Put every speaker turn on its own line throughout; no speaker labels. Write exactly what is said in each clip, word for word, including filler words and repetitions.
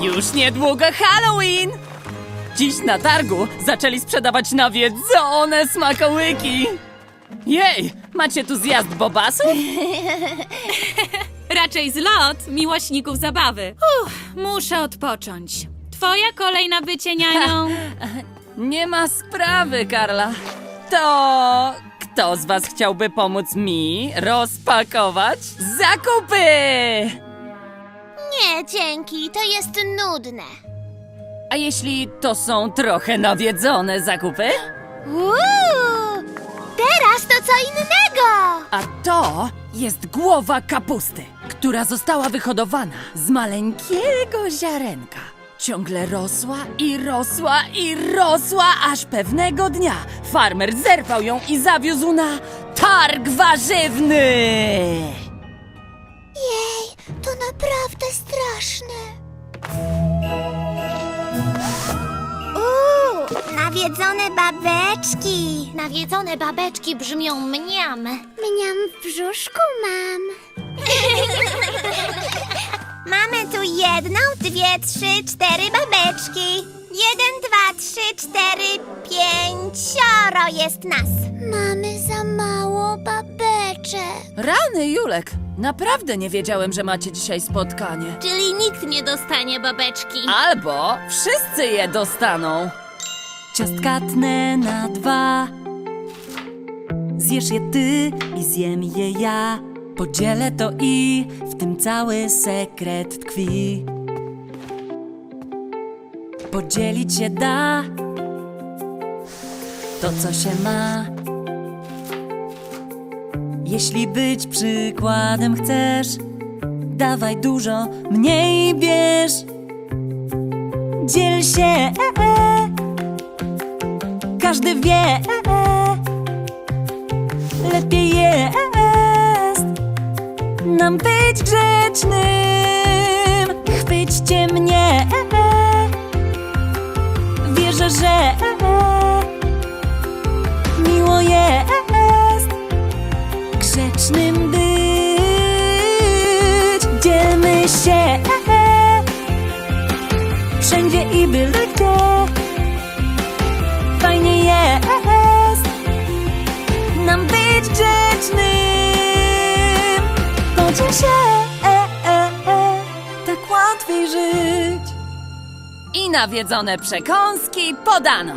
Już niedługo Halloween! Dziś na targu zaczęli sprzedawać nawiedzone smakołyki. Jej, macie tu zjazd bobasów?
Raczej zlot miłośników zabawy. Uff, muszę odpocząć. Twoja kolej na bycie nianią.
Nie ma sprawy, Karla. To kto z was chciałby pomóc mi rozpakować zakupy?
Nie, dzięki, to jest nudne.
A jeśli to są trochę nawiedzone zakupy?
Uuu, teraz to co innego!
A to jest głowa kapusty, która została wyhodowana z maleńkiego ziarenka. Ciągle rosła i rosła i rosła, aż pewnego dnia farmer zerwał ją i zawiózł na targ warzywny.
Jej, to naprawdę straszne. Uuu, nawiedzone babeczki. Nawiedzone babeczki brzmią mniam. Mniam w brzuszku mam. Mamy tu jedną, dwie, trzy, cztery babeczki. Jeden, dwa, trzy, cztery, pięcioro jest nas. Mamy za mało babeczek.
Rany, Julek, naprawdę nie wiedziałem, że macie dzisiaj spotkanie.
Czyli nikt nie dostanie babeczki.
Albo wszyscy je dostaną.
Ciastka tnę na dwa. Zjesz je ty i zjem je ja. Podzielę to i w tym cały sekret tkwi. Podzielić się da to, co się ma. Jeśli być przykładem chcesz, dawaj dużo, mniej bierz. Dziel się, e, e. Każdy wie, e, e. Lepiej jest nam być grzecznym. Chwyćcie mnie, e, e. Wierzę, że e, e. miło jest grzecznym być. Dzielmy się, e, e. wszędzie i byle gdzie. Fajnie jest nam być grzecznym. Podziel się, e, e, e. tak łatwiej żyć.
I nawiedzone przekąski podano.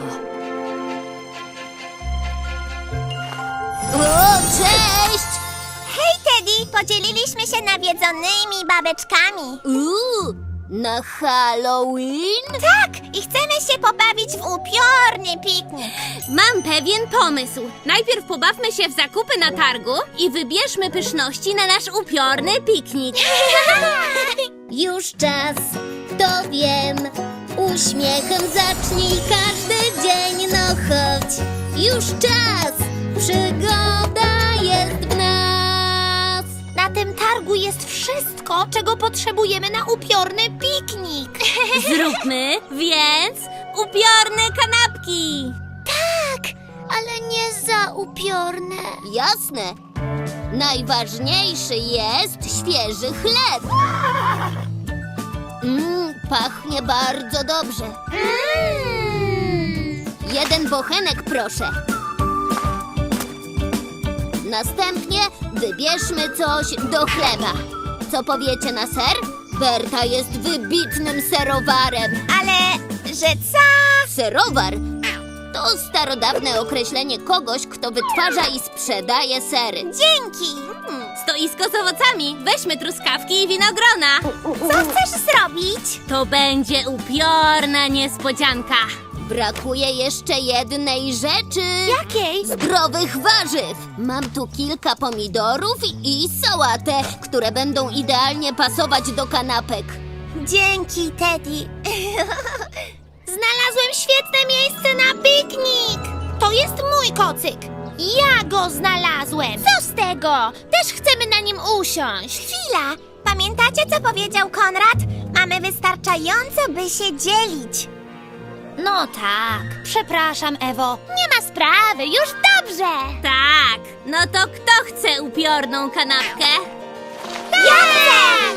O, cześć! Hej, Teddy! Podzieliliśmy się nawiedzonymi babeczkami. Uuu, na Halloween? Tak! I chcemy się pobawić w upiorny piknik.
Mam pewien pomysł. Najpierw pobawmy się w zakupy na targu i wybierzmy pyszności na nasz upiorny piknik.
Już czas, to wiem. Uśmiechem zacznij każdy dzień, no chodź. Już czas, przygoda jest w nas. Na tym targu jest wszystko, czego potrzebujemy na upiorny piknik.
Zróbmy więc upiorne kanapki.
Tak, ale nie za upiorne. Jasne. Najważniejszy jest świeży chleb. Mmm, pachnie bardzo dobrze. Mm. Jeden bochenek, proszę. Następnie wybierzmy coś do chleba. Co powiecie na ser? Berta jest wybitnym serowarem. Ale, że co? Serowar to starodawne określenie kogoś, kto wytwarza i sprzedaje sery. Dzięki!
Stoisko z owocami. Weźmy truskawki i winogrona.
Co chcesz zrobić?
To będzie upiorna niespodzianka.
Brakuje jeszcze jednej rzeczy.
Jakiej?
Zdrowych warzyw. Mam tu kilka pomidorów i sałatę, które będą idealnie pasować do kanapek. Dzięki, Teddy. Znalazłem świetne miejsce na piknik. To jest mój kocyk. Ja go znalazłem. Co z tego? Też chcemy na nim usiąść. Chwila. Pamiętacie, co powiedział Konrad? Mamy wystarczająco, by się dzielić. No tak. Przepraszam, Ewo. Nie ma sprawy. Już dobrze.
Tak. No to kto chce upiorną kanapkę?
Ja chcę!